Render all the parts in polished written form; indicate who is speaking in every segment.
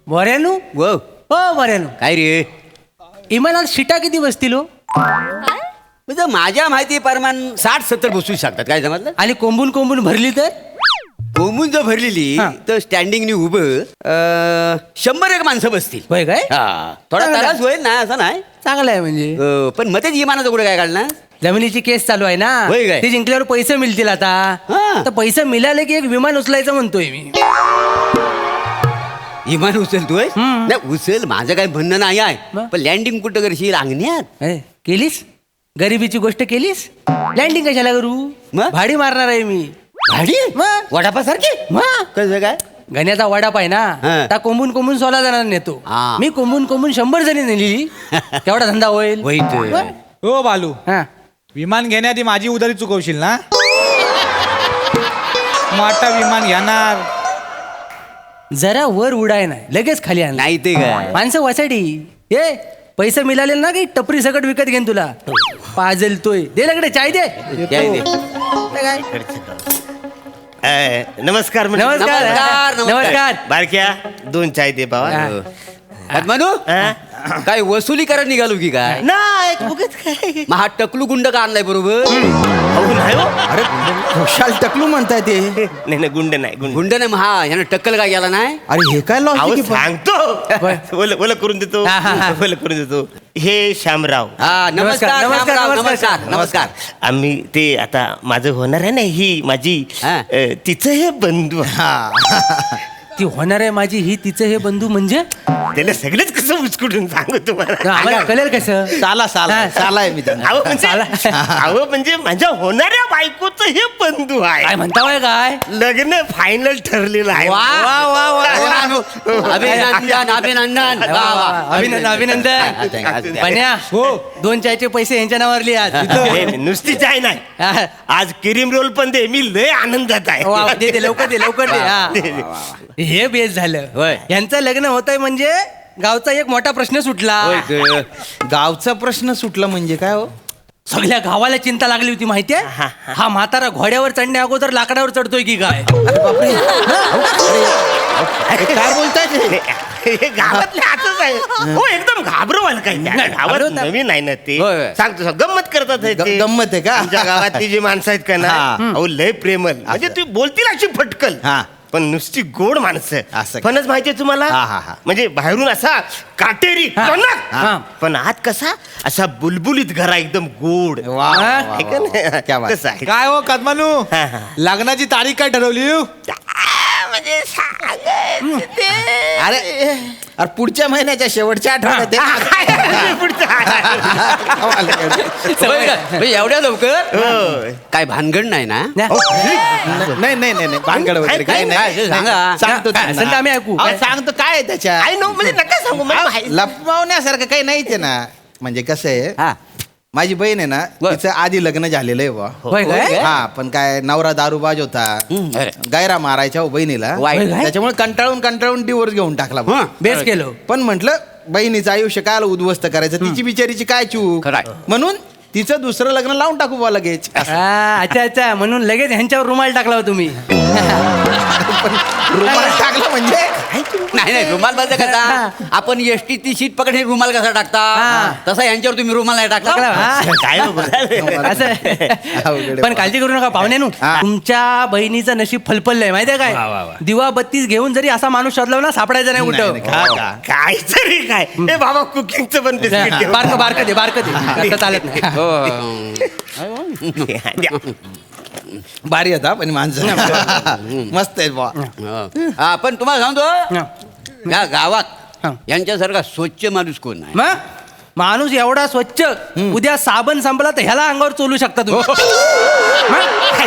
Speaker 1: बऱ्यानु
Speaker 2: व
Speaker 1: हो बऱ्यानु
Speaker 2: काय रे
Speaker 1: इमानात शिटा किती बसतील हो
Speaker 2: म्हणजे माझ्या माहिती प्रमाण 60-70 बसू शकतात काय समजलं
Speaker 1: आणि कोंबून कोंबून भरली तर
Speaker 2: कोमून जर भरलेली
Speaker 1: हा.
Speaker 2: तर स्टँडिंगनी उभं 100 माणसं बसतील
Speaker 1: होय काय
Speaker 2: हा थोडा
Speaker 1: चांगलं.
Speaker 2: त्रास होईल ना असं नाही
Speaker 1: चांगलं आहे म्हणजे
Speaker 2: पण मग तेच इमानाचं कुठे काय काढणार
Speaker 1: जमिनीची केस चालू आहे ना
Speaker 2: होय काय?
Speaker 1: ते जिंकल्यावर पैसे मिळतील आता
Speaker 2: हा.
Speaker 1: तर पैसे मिळाले की एक विमान उचलायचं म्हणतोय मी
Speaker 2: इमान उचलतोय
Speaker 1: हम्म.
Speaker 2: नाही उचल माझं काही म्हणणं नाही आहे
Speaker 1: मग?
Speaker 2: पण लँडिंग कुठं करशील अंगण्यात
Speaker 1: ए, केलीस गरिबीची गोष्ट केलीस लँडिंग कशाला करू
Speaker 2: मग?
Speaker 1: भाडी मारणार आहे मी
Speaker 2: भाडी
Speaker 1: मग?
Speaker 2: वडापासारखी
Speaker 1: मग?
Speaker 2: कसं काय
Speaker 1: गण्याचा वडाप आहे ना
Speaker 2: हा.
Speaker 1: त्या कोंबून कोंबून 16 जणांना नेतो
Speaker 2: हा.
Speaker 1: मी कोंबून कोंबून 100 जणी नेली तेवढा धंदा होईल
Speaker 2: वाईट.
Speaker 1: मग?
Speaker 3: हो बालू
Speaker 1: हा.
Speaker 3: विमान घेण्याआधी माझी उधारी चुकवशील ना मोठा विमान घेणार
Speaker 1: जरा वर उडाय नाही लगेच खाली आण
Speaker 2: नाही ते काय
Speaker 1: माणसं वासाठी ए पैसे मिळाले ना की टपरी सकट विकत घेईन तुला पाजलतोय दे लगडे चाय दे
Speaker 2: काय ते?
Speaker 1: काय?
Speaker 4: नमस्कार म्हणजे.
Speaker 1: नमस्कार
Speaker 2: नमस्कार.
Speaker 1: नमस्कार
Speaker 4: बारक्या 2 चाय दे बाबा
Speaker 1: हा.
Speaker 2: म्हणू काय वसुली करायला निघालो की काय
Speaker 4: नाही उगाच काय
Speaker 2: मग हा टकलू गुंड का आणलाय बरोबर
Speaker 4: अहो, नाही हो.
Speaker 5: अरे खुशाल टकलू म्हणताय ते
Speaker 4: नाही नाही गुंड नाही गुंड
Speaker 2: गुंड नाही मग हा ह्यानं टक्कल काय गेला नाही
Speaker 5: अरे हे काय
Speaker 4: अहो
Speaker 5: लॉजिक
Speaker 4: सांगतो ओलं करून देतो
Speaker 1: हा, हा, हा.
Speaker 4: ओलं करून देतो हे श्यामराव
Speaker 2: हा नमस्कार
Speaker 1: नमस्कार,
Speaker 2: नमस्कार
Speaker 1: नमस्कार.
Speaker 2: नमस्कार नमस्कार
Speaker 4: आम्ही ते आता माझं होणार आहे ना ही माझी
Speaker 2: हा.
Speaker 4: तिचं हे बंधू
Speaker 1: ती होणार आहे माझी ही तिचं हे बंधू म्हणजे
Speaker 4: त्याला सगळेच कसं उचकुटून सांगू तुम्हाला
Speaker 1: आम्हाला कळेल कसं
Speaker 5: साला साला
Speaker 1: हा.
Speaker 5: साला आहे मी त्यांना
Speaker 4: अहो म्हणजे माझ्या होणाऱ्या बायकोचं हे बंधू
Speaker 1: काय
Speaker 4: आहे
Speaker 1: म्हणता होय काय
Speaker 4: लग्न फायनल ठरलेलं आहे
Speaker 2: वा
Speaker 1: वा वा वा
Speaker 2: अभिनंदन अभिनंदन वा, वा.
Speaker 1: अभिनंदन अभिनंदन बन्या
Speaker 3: हो
Speaker 1: 2 चायचे पैसे यांच्या नावावर लिहा
Speaker 4: हे नुसती चाय नाही
Speaker 1: हा.
Speaker 4: आज क्रीम रोल पण दे मी लय आनंदात आहे
Speaker 1: वा, दे दे लवकर दे लवकर दे हा.
Speaker 4: दे, दे.
Speaker 1: हे बेस झालं
Speaker 2: होय.
Speaker 1: यांचं लग्न होतंय म्हणजे गावचा एक मोठा प्रश्न सुटला
Speaker 2: होय ग.
Speaker 5: गावचा प्रश्न सुटला म्हणजे काय हो
Speaker 1: सगळ्या गावाला चिंता लागली होती माहितीये हा म्हातारा घोड्यावर चढण्या अगोदर लाकडावर चढतोय की काय
Speaker 5: काय बोलताय ते?
Speaker 4: हे गावातले असंच आहे हो एकदम घाबरवाल काय त्या गावात
Speaker 1: घाबरवतात.
Speaker 4: नवीन आहे ना ते
Speaker 2: होय, होय.
Speaker 4: सांगतो गंमत करतात हे ते.
Speaker 5: गंमत आहे का?
Speaker 4: आमच्या गावातली जी माणसं आहेत का ना
Speaker 5: हा.
Speaker 4: अहो लय प्रेमल म्हणजे ती बोलतील अशी फटकल
Speaker 5: हा.
Speaker 4: पण नुसती गोड माणसं
Speaker 5: असं का?
Speaker 4: फणस माहितीये तुम्हाला
Speaker 5: हा, हा, हा.
Speaker 4: म्हणजे बाहेरून असा काटेरी
Speaker 1: हा.
Speaker 4: टणक.
Speaker 1: हा.
Speaker 4: पण आत कसा असा बुलबुलीत घरा एकदम गोड
Speaker 5: वा, वा, वा,
Speaker 4: आहे का
Speaker 5: वा.
Speaker 4: नाही?
Speaker 5: क्या बात.
Speaker 4: तसं आहे
Speaker 3: काय हो कदमानू
Speaker 4: हा, हा.
Speaker 3: लग्नाची तारीख काय ठरवली
Speaker 4: म्हणजे सांगायचं ते.
Speaker 5: अरे अरे पुढच्या महिन्याच्या शेवटच्या आठवड्यात आहे.
Speaker 2: होय का? म्हणजे एवढ्या लवकर
Speaker 4: होय.
Speaker 2: काय भानगड नाही ना
Speaker 5: नाही नाही नाही नाही भानगड वगैरे काय
Speaker 2: काय
Speaker 5: नाही
Speaker 2: सांगा.
Speaker 5: सांगतो
Speaker 1: काय,
Speaker 5: त्यांना.
Speaker 1: सांगा, आम्ही ऐकू.
Speaker 5: अहो, सांगतो काय आहे त्याच्यात
Speaker 4: आय नो म्हणजे नका सांगू मला माहिती.
Speaker 5: लपवण्यासारखं काही नाहीच आहे ना म्हणजे कसं आहे
Speaker 2: हा
Speaker 5: माझी बहीण आहे ना
Speaker 2: बर.
Speaker 5: तिचं आधी लग्न झालेलं आहे बुवा
Speaker 1: होय काय
Speaker 5: हा पण काय नवरा दारूबाज होता
Speaker 2: अरे.
Speaker 5: गायरा मारायच्या हो बहिणीला
Speaker 2: वाईट.
Speaker 5: त्याच्यामुळे कंटाळून डिवोर्स घेऊन टाकला बुवा.
Speaker 1: बेस केलं
Speaker 5: पण म्हटलं बहिणीचं आयुष्य काय उद्ध्वस्त करायचं तिची बिचारीची काय चूक
Speaker 2: खरंय.
Speaker 5: म्हणून तिचं दुसरं लग्न लावून टाकू बुवा लगेच
Speaker 1: अच्छा अच्छा म्हणून लगेच ह्यांच्यावर रुमाल टाकला हो तुम्ही
Speaker 5: रुमाल टाकलं म्हणजे
Speaker 2: नाही नाही रुमाल बंद कसा आपण एसटी ती सीट पकडे रुमाल कसा टाकता
Speaker 1: हा.
Speaker 2: तसा यांच्यावर तुम्ही रुमाल नाही
Speaker 1: टाकला
Speaker 2: टाकला
Speaker 1: हा.
Speaker 4: काय हो बोलायला?
Speaker 1: असं
Speaker 5: अवघड आहे.
Speaker 1: पण काळजी करू नका पाहुण्यानू
Speaker 5: हा.
Speaker 1: तुमच्या बहिणीचं नशीब फलफललंय माहितीये काय दिवा बत्तीस घेऊन जरी असा माणूस शोधला ना सापडायचा नाही
Speaker 5: नाही,
Speaker 1: कुठं
Speaker 5: नाही, का?
Speaker 4: काय तरी काय हे बाबा कुकिंगचं पण बिस्किट ठेव.
Speaker 1: बारक दे तसं चालत नाही
Speaker 2: हो.
Speaker 4: द्या.
Speaker 5: भारी होता पण माणसं मस्त आहे बुवा
Speaker 2: हा पण तुम्हाला सांगतो
Speaker 1: हा.
Speaker 2: या गावात
Speaker 1: हा.
Speaker 2: यांच्यासारखा स्वच्छ माणूस कोण नाही
Speaker 1: मग माणूस एवढा स्वच्छ उद्या साबण संपला तर ह्याला अंगावर चोलू शकता तुम्ही मग?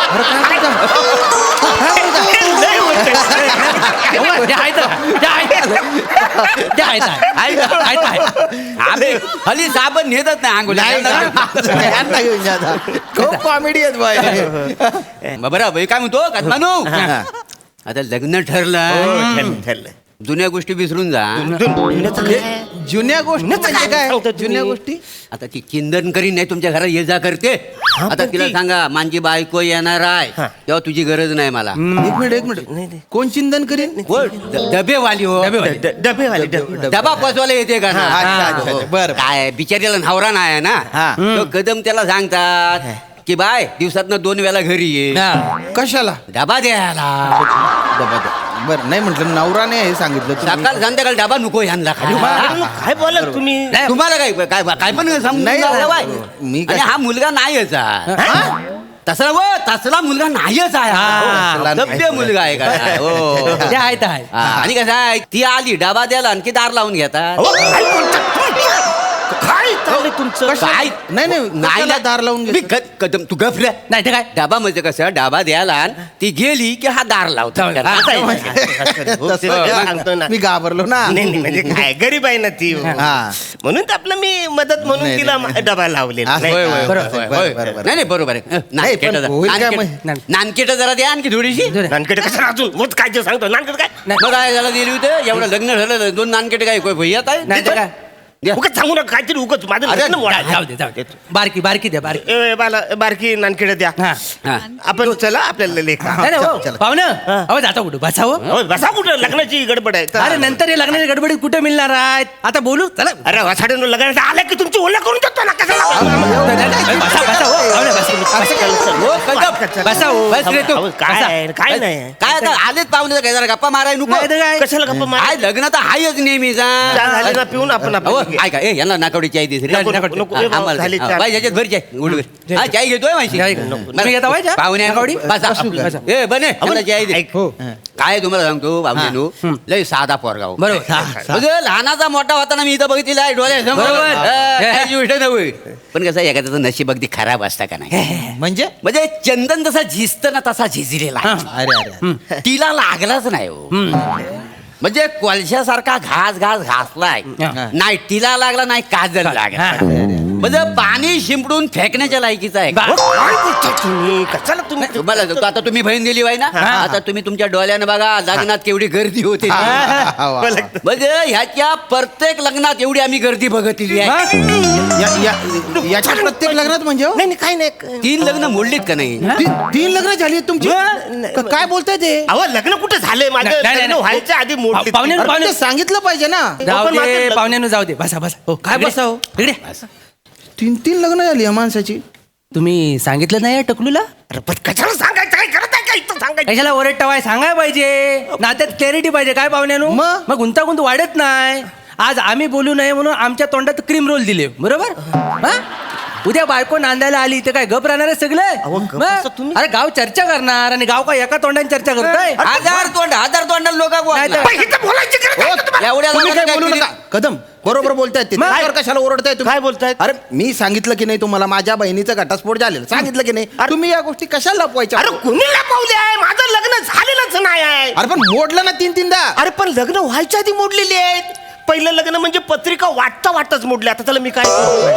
Speaker 4: लय होतंय.
Speaker 1: जे आहे तर, जे आहे तर. जे आहे तर आहे. आहे तर आहे.
Speaker 2: आम्ही हल्ली साबण नेतच नाही अंघोळीला.
Speaker 5: यांना घेऊन जा आता. खूप कॉमेडी आहेत बुवा
Speaker 2: बरं भाई काय म्हणतो कदमानू
Speaker 5: हा.
Speaker 2: आता लग्न ठरलं
Speaker 4: हो, ठरलं, ठरलं.
Speaker 2: जुन्या गोष्टी विसरून जा
Speaker 5: जुन्या गोष्टी म्हणजे काय
Speaker 4: सांगता तुम्ही?
Speaker 5: जुन्या गोष्टी
Speaker 2: आता ती चिंदन करी नाही तुमच्या घरात ये जा करते आता तिला सांगा माझी बायको येणार आहे तेव्हा तुझी गरज नाही मला.
Speaker 5: एक मिनिट कोण चिंतन करीन
Speaker 2: हो, डबेवाली हो.
Speaker 4: डबेवाले
Speaker 2: डबा पोचवायला येते का ना?
Speaker 5: अच्छा. बरं
Speaker 2: काय बिचारीला नवरा नाही आहे ना.
Speaker 5: हा.
Speaker 2: तो कदम त्याला सांगतात की बाय दिवसातनं 2 वेळा घरी ये
Speaker 5: कशाला
Speaker 2: डबा द्यायला.
Speaker 5: बरं नाही म्हटलं नवराने हे सांगितलं तुम्ही.
Speaker 2: सकाळ संध्याकाळ डबा नको यांना खाली.
Speaker 4: काय बोला तुम्ही
Speaker 2: तुम्हाला काय काय काय पण समजून
Speaker 5: नाही,
Speaker 2: जाऊ बाय.
Speaker 5: मी काय-
Speaker 2: आणि हा मुलगा नाहीच आहे. तसला तसला मुलगा नाहीच आहे
Speaker 5: तसला नाही.
Speaker 2: सभ्य मुलगा आहे का हो.
Speaker 1: ते आहे तर आहे.
Speaker 2: आणि कसं आहे ती आली डबा द्यायला आणखी दार लावून घेतात.
Speaker 4: अहो, काय बोलतात तुम्ही? काय चाललंय तुमचं
Speaker 2: काय
Speaker 5: नाही कशाला दार लावून
Speaker 2: मी
Speaker 5: घेतलं?
Speaker 2: कदम तू गफल्या
Speaker 1: नाही ते काय
Speaker 2: डबा म्हणजे कसं डबा द्यायला आण, ती गेली की हा दार लावतो.
Speaker 1: जाऊ.
Speaker 5: तसं
Speaker 4: सांगतो ना.
Speaker 5: मी घाबरलो ना.
Speaker 4: नाही म्हणजे काय गरीब आहे ना ती
Speaker 5: हा.
Speaker 4: म्हणून तर आपलं मी मदत म्हणून
Speaker 5: नाही,
Speaker 4: तिला
Speaker 5: नाही.
Speaker 4: डबा लावलेला
Speaker 5: असं-
Speaker 4: नाही
Speaker 2: होय,
Speaker 4: का?
Speaker 2: होय,
Speaker 5: बरं,
Speaker 2: होय,
Speaker 5: बरं,
Speaker 2: होय.
Speaker 5: बरं, बरं.
Speaker 2: नाही नाही बरोबर आहे.
Speaker 5: पण होईल काय मग?
Speaker 2: नानकेट जरा द्या आणखी थोडीशी.
Speaker 4: नानकडे कसं अजून मग काय ते सांगतो नानकड काय
Speaker 2: मग काय झालं दिली होते एवढं लग्न झालं 2 नानकेट काय भैयात
Speaker 1: नाही तर काय
Speaker 2: आहे.
Speaker 4: उगाच सांगू नका काहीतरी उगाच माझं
Speaker 2: अरे,
Speaker 4: लग्न मोडायचं.
Speaker 1: जाऊ दे जाऊ दे बारकी बारकी द्या बारकी.
Speaker 4: ए, बाला बारकी नानकडे द्या
Speaker 1: हा
Speaker 2: हा.
Speaker 4: आपण चला आपल्याला लेखा
Speaker 1: नाही नाही, हो
Speaker 5: चला.
Speaker 1: पाहुणं अहो जाता कुठं बसावं.
Speaker 4: हो, बसा कुठं लग्नाची गडबड आहे चला.
Speaker 1: अरे नंतर हे लग्नाच्या गडबडीत कुठे मिळणार आहेत आता बोलू चला.
Speaker 4: अरे वासाडून लग्नाचं आलं की तुमची ओळख करून देतो ना कशाला
Speaker 1: बसा बसा हो पाहुणे, बसा.
Speaker 2: हो, कदम.
Speaker 1: बसा हो.
Speaker 2: बस रे तू.
Speaker 4: अहो, काय आहे, काय नाही
Speaker 2: काय आता आलेच पाहुणे काय जरा गप्पा माराय नको.
Speaker 1: नाही तर काय
Speaker 4: कशाला गप्पा मार
Speaker 2: काय लग्न तर हायच नेहमीचा.
Speaker 4: चहा झाली ना पिऊन आपण
Speaker 2: हो
Speaker 4: आपलं
Speaker 2: ऐका ए यांना नाकावडी चाय देते
Speaker 4: नको, नको, नको. ए, भाऊ, झाली चहा.
Speaker 2: याच्यात भर चाय गुडघे. हा चाय घेतोय माहिती
Speaker 1: चाय घेतो. तुम्ही घेता होय चहा?
Speaker 2: पाहुणे
Speaker 1: नाकावडी?
Speaker 2: बसा.
Speaker 1: बसा.
Speaker 2: ए बने यांना चाय दे.
Speaker 4: ऐक.
Speaker 1: हो
Speaker 2: काय तुम्हाला सांगतो बाबूनू लय साधा पोरगा हो.
Speaker 1: बरोबर हा.
Speaker 2: म्हणजे लहानाचा मोठा होताना मी इथं बघितलेला आहे डोळ्यासमोर.
Speaker 1: बरोबर.
Speaker 2: काहीच गोष्ट नव्हे. पण कसं आहे, एखाद्याचं नशीब अगदी खराब असतं का नाही.
Speaker 5: म्हणजे
Speaker 2: म्हणजे चंदन जसा झिजत ना तसा झिजलेला आहे.
Speaker 5: अरे
Speaker 2: तिला लागलाच नाही हो. म्हणजे कोळशासारखा घास घासलाय
Speaker 1: हा.
Speaker 2: नाही तिला लागला नाही काजल लागला. म्हणजे पाणी शिंपडून फेकण्याच्या लायकीचं आहे.
Speaker 4: काय बोलता तुम्ही कशाला तुम्ही
Speaker 2: तुम्हाला सांगतो, आता तुम्ही बहीण दिली वाय ना आता तुम्ही तुमच्या डोळ्यानं बघा लग्नात केवढी गर्दी होते. म्हणजे ह्याच्या प्रत्येक लग्नात एवढी आम्ही गर्दी बघितली आहे.
Speaker 5: याच्या प्रत्येक लग्नात म्हणजे हो?
Speaker 4: नाही नाही, काय नाही
Speaker 2: 3 लग्न मोडलीत का नाही.
Speaker 5: तीन लग्न झाली आहेत तुमची काय बोलताय ते
Speaker 4: अहो लग्न कुठे झालंय माझं
Speaker 1: नाही, नाही,
Speaker 4: लग्न
Speaker 1: नाही.
Speaker 4: व्हायच्या आधी मोडली
Speaker 1: पाहुणे
Speaker 5: अरे,
Speaker 1: पाहुणे
Speaker 5: ते सांगितलं पाहिजे ना.
Speaker 1: जाऊ
Speaker 4: पण माझं
Speaker 1: दे
Speaker 4: लग्न-
Speaker 1: पाहुण्यानं जाऊ दे बसा बसा हो
Speaker 5: काय
Speaker 1: इकडे.
Speaker 5: बसा हो?
Speaker 1: इकडे
Speaker 5: 3 लग्न झाली या माणसाची.
Speaker 1: तुम्ही सांगितलं नाही टकलूला
Speaker 4: अरे पण कशाला सांगायचं काय करत आहे का इथं सांगायचं
Speaker 1: कशाला ओरडटावाय सांगाय पाहिजे नात्यात क्लॅरिटी पाहिजे काय पाहुण्यानो
Speaker 5: मग?
Speaker 1: मग गुंतागुंत वाढत नाही. आज आम्ही बोलू नये म्हणून आमच्या तोंडात क्रीम रोल दिले बरोबर हा? उद्या बायको नांदायला आली तर काय गप राहणार आहे सगळे
Speaker 4: अहो, गप
Speaker 1: मग?
Speaker 4: असं तुम्ही-
Speaker 1: अरे गाव चर्चा करणार आणि गाव काय एका तोंडाने चर्चा करताय
Speaker 2: 1000 तोंड लोक
Speaker 1: नाही तर-
Speaker 4: पण इथं बोलायची गरज आहे का तुम्हाला?
Speaker 2: एवढ्या
Speaker 5: तुम्ही
Speaker 2: लोकांना
Speaker 5: काय
Speaker 2: काय
Speaker 5: बोलू
Speaker 2: केली?
Speaker 5: नका कदम बरोबर बोलतायत ते.
Speaker 1: मग?
Speaker 5: त्याच्यावर कशाला ओरडताय तुम्ही?
Speaker 4: काय बोलतायत?
Speaker 5: अरे मी सांगितलं की नाही तुम्हाला माझ्या बहिणीचा घटस्फोट झालेला सांगितलं की नाही तुम्ही या गोष्टी कशाला लपवायच्या
Speaker 4: अरे कुणी लपवले आहे माझं लग्न झालेलंच नाही आहे
Speaker 5: अरे पण मोडलं ना 3-3दा.
Speaker 4: अरे पण लग्न व्हायच्या आधी मोडलेली आहेत पहिलं लग्न म्हणजे पत्रिका वाटताच मोडली आता त्याला मी काय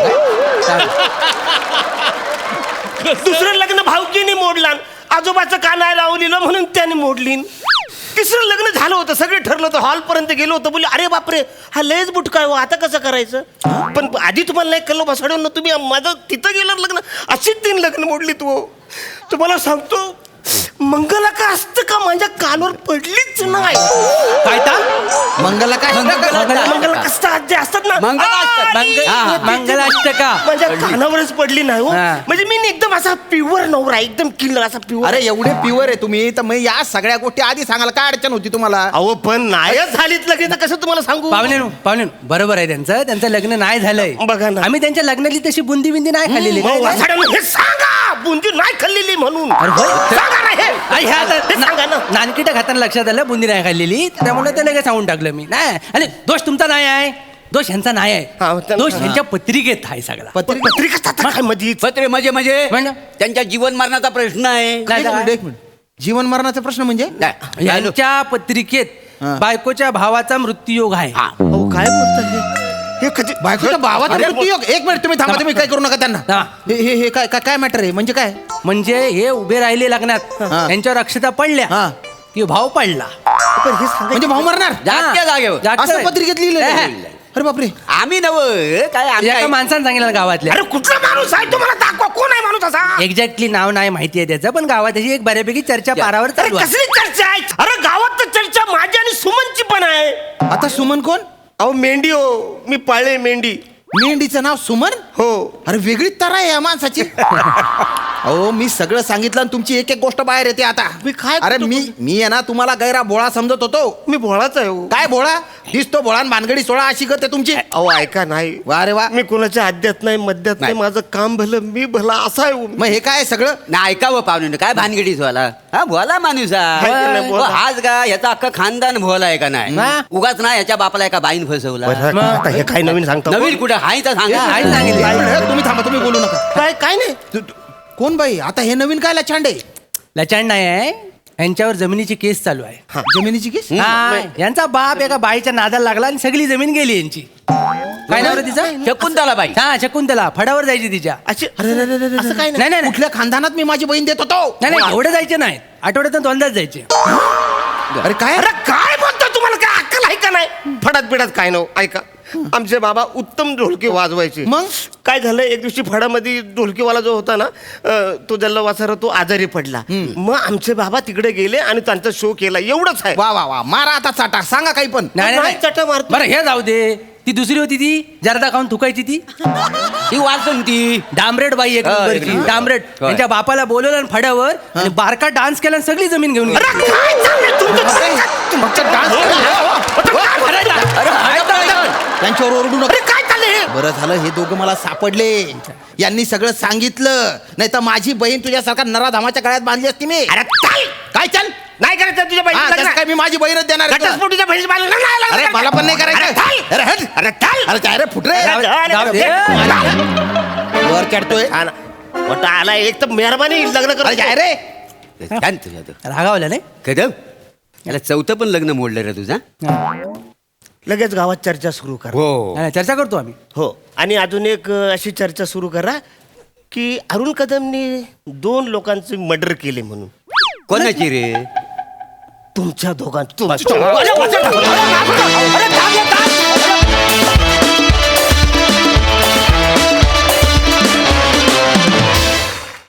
Speaker 4: करू? दुसरं लग्न भाऊजीने मोडला आजोबाचं कानाय लावलेलं म्हणून त्याने मोडली तिसरं लग्न झालं होतं सगळे ठरलं होतं हॉल पर्यंत गेलो होतो बोलले अरे बापरे हा लयच बुटका हो आता कसं करायचं पण आधी तुम्हाला नाही कळलं बसवून तुम्ही माझं तिथं गेलं लग्न अशीच 3 लग्न मोडली तू तुम्हाला सांगतो मंगला का असतं का माझ्या कानावर पडलीच नाही
Speaker 1: काय ता?
Speaker 5: मंगला काय
Speaker 4: मंगला कसं जे असतात ना
Speaker 1: मंगलाष्टका
Speaker 4: माझ्या कानावरच पडली नाही हो
Speaker 1: हा.
Speaker 4: म्हणजे मी एकदम असा प्युअर नवरा एकदम किल्लर असा प्युअर
Speaker 5: अरे एवढे प्युअर आहे तुम्ही तर मग या सगळ्या गोष्टी आधी सांगायला काय अडचण होती तुम्हाला.
Speaker 4: अहो पण नायच झालीत लग्न तर कसं तुम्हाला सांगू
Speaker 1: पाहुणे बरोबर आहे त्यांचं लग्न नाही झालंय
Speaker 4: बघा ना.
Speaker 1: आम्ही त्यांच्या लग्नाली तशी बुंदी बिंदी नाही खाल्लेली
Speaker 4: मग वासाड्यानं हे सांगा बुंदी नाही खाल्लेली म्हणून
Speaker 1: अरे होय.
Speaker 4: सांगा ना हे. हे सांगा ना
Speaker 1: नानकिटा खाताना लक्षात आलं बुंदी नाही खाल्लेली त्यामुळे ते लगेच सांगून टाकलं मी नाही आणि दोष तुमचा नाही आहे दोष ह्यांचा नाही
Speaker 4: हा,
Speaker 1: आहे
Speaker 4: त्यांचा-
Speaker 1: दोष ह्यांच्या पत्रिकेत आहे सगळा
Speaker 4: पत्रिका असतात काय मध्ये
Speaker 2: पत्रे म्हणजे
Speaker 1: म्हणजे?
Speaker 2: त्यांच्या जीवन मरणाचा प्रश्न आहे.
Speaker 1: नाही तर काय?
Speaker 5: एक मिनिट जीवन मरणाचा प्रश्न म्हणजे
Speaker 2: काय?
Speaker 1: यांच्या पत्रिकेत
Speaker 5: हा.
Speaker 1: बायकोच्या भावाचा मृत्यूयोग आहे
Speaker 2: हा.
Speaker 4: अहो काय बोलतात हे कधी
Speaker 5: बायकोच्या भावाचा मृत्यूयोग. एक मिनिट तुम्ही थांबा तुम्ही काय करू नका त्यांना
Speaker 1: हा.
Speaker 5: हे काय काय काय मॅटर आहे म्हणजे काय
Speaker 1: म्हणजे हे उभे राहिले लग्नात
Speaker 5: हा.
Speaker 1: यांच्यावर अक्षता पडल्या
Speaker 5: हा.
Speaker 1: की भाव पडला
Speaker 4: पण हे सांगा
Speaker 5: म्हणजे भाऊ मरणार
Speaker 2: जागच्या जागेवर
Speaker 1: जागच्या
Speaker 5: असं पत्रिकेत लिहिलेलं आहे. अरे बापरे.
Speaker 2: आम्ही नव काय आम्ही
Speaker 1: एका
Speaker 2: काय-
Speaker 1: माणसानं सांगितलं गावातल्या
Speaker 4: अरे कुठला माणूस आहे तुम्हाला दाखवा, कोण आहे माणूस असा?
Speaker 1: एक्झॅक्टली नाव नाही माहिती आहे त्याचं, पण गावात त्याची एक बऱ्यापैकी चर्चा पारावर
Speaker 4: अरे
Speaker 1: चालू आहे.
Speaker 4: कसली चर्चा आहे? अरे गावात तर चर्चा माझी आणि सुमनची पण आहे.
Speaker 5: आता सुमन कोण?
Speaker 4: अहो मेंढी हो, मी पाळले मेंढी.
Speaker 5: मेंढीचं नाव सुमन?
Speaker 4: हो.
Speaker 5: अरे वेगळीच तरा आहे या माणसाची. अहो मी सगळं सांगितलं आणि तुमची एक एक गोष्ट बाहेर येते आता.
Speaker 4: मी काय
Speaker 5: अरे
Speaker 4: करतो?
Speaker 5: मी आहे ना तुम्हाला गैरा भोळा समजत होतो.
Speaker 4: मी भोळाच आहे हो.
Speaker 5: काय भोळा दिसतो भोळा आणि भानगडी सोळा अशी करते तुमची.
Speaker 4: अहो ऐका नाही,
Speaker 5: वा रे वा.
Speaker 4: मी कोणाच्या आद्यात नाही मध्यात नाही,
Speaker 5: नाही.
Speaker 4: माझं काम भलं मी भला असा आहे हो.
Speaker 5: मग हे काय सगळं?
Speaker 2: ना ऐकावं पाहुणे काय भानगडीच व्हायला हा भोला माणूस
Speaker 4: हाय का नाही भोला?
Speaker 2: हाच का याचा अख्खा खानदान भोला आहे का नाही
Speaker 1: हा.
Speaker 2: उगाच ना याच्या बापाला एका बाईन फसवला
Speaker 4: बरं, आता हे काय नवीन सांगतो?
Speaker 2: नवीन कुठं हाय तर सांगा
Speaker 1: हाय सांगितलं.
Speaker 5: काय? तुम्ही थांबा, तुम्ही बोलू नका.
Speaker 4: काय नाही.
Speaker 5: कोण बाई? आता हे नवीन काय लचांडे?
Speaker 1: लचांड नाही आहे, यांच्यावर जमिनीची केस चालू आहे.
Speaker 5: जमिनीची केस?
Speaker 1: हा, यांचा बाप एका बाईच्या नादाला लागला आणि सगळी जमीन गेली यांची. काय नाव रे तिचं?
Speaker 2: शकुंतला बाई
Speaker 1: हा शकुंतला. फडावर जायची तिच्या.
Speaker 4: अशी असं काय नाही.
Speaker 1: नाही नाही नाही.
Speaker 5: कुठल्या खानदानात मी माझी बहीण देत होतो?
Speaker 1: नाही नाही एवढे जायचे नाही, आठवड्यातून दोनदाच जायचे.
Speaker 5: अरे काय?
Speaker 4: अरे काय बोलतो, तुम्हाला काय अक्कल आहे का नाही? फडात बिडात काय नव. ऐका, आमचे बाबा उत्तम ढोलकी वाजवायचे.
Speaker 5: मग?
Speaker 4: काय झालं, एक दिवशी फडामध्ये ढोलकीवाला जो होता ना, तो जल्ला वासारा, तो आजारी पडला. मग आमचे बाबा तिकडे गेले आणि त्यांचा शो केला. एवढंच आहे.
Speaker 5: वा वा वा. मारा आता चाटा, सांगा काही पण.
Speaker 1: नाही
Speaker 4: नाही,
Speaker 1: नाही
Speaker 4: चटा मारतो.
Speaker 1: बरं हे जाऊ दे. ती दुसरी होती ती जर्दा खाऊन थुकायची ती
Speaker 2: ही वाचून ती
Speaker 1: डांबरेट बाई एक
Speaker 2: हा,
Speaker 1: नंबरची.
Speaker 2: एक
Speaker 1: डांबरेट
Speaker 2: होय.
Speaker 1: त्यांच्या बापाला बोलवलं आणि फड्यावर आणि बारका डान्स केला आणि सगळी जमीन घेऊन गेली.
Speaker 4: अरे काय चाललंय तुमचं?
Speaker 5: फक्त डान्स त्यांच्यावर ओरडू नका.
Speaker 4: अरे काय चाललंय हे?
Speaker 5: बरं झालं हे दोघं मला सापडले. यांनी सगळं सांगितलं, नाही तर माझी बहीण तुझ्यासारखा नराधामाच्या गळ्यात बांधली असती मी.
Speaker 4: अरे काय
Speaker 5: काय चल?
Speaker 4: नाही करायचं तुझ्या
Speaker 5: हा,
Speaker 4: बहिणीचं
Speaker 5: त्यात
Speaker 4: लग्न?
Speaker 5: काय मी माझी बहीणच देणार आहे तुला.
Speaker 4: घटस्फोटीच्या बहिणीचं लग्न नाही लग्न
Speaker 5: अरे
Speaker 4: करायचं.
Speaker 5: मला पण नाही
Speaker 4: अरे
Speaker 5: करायचं.
Speaker 4: चाल.
Speaker 5: अरे हट.
Speaker 4: अरे चाल.
Speaker 5: अरे काय रे फुटरे
Speaker 4: अरे, अरे,
Speaker 1: जाऊ दे.
Speaker 5: वर चढतोय.
Speaker 4: हा ना. मोठा आला एक तर मेहरबानी लग्न
Speaker 5: अरे काय
Speaker 4: कर.
Speaker 5: रे?
Speaker 2: छान तुझ्या तो.
Speaker 1: रागावलं नाही.
Speaker 2: कदम याला चौथं पण लग्न मोडलं रे तुझा
Speaker 4: लगेच गावात चर्चा सुरू कर.
Speaker 2: हो
Speaker 1: नाही, चर्चा करतो आम्ही.
Speaker 4: हो. आणि अजून एक अशी चर्चा सुरू करा की अरुण कदमनी 2 लोकांचे मर्डर केले म्हणून.
Speaker 2: कोणाची रे
Speaker 4: तुमच्या दोघांचं.
Speaker 2: अरे, वाचा. अरे, थांब, थांब.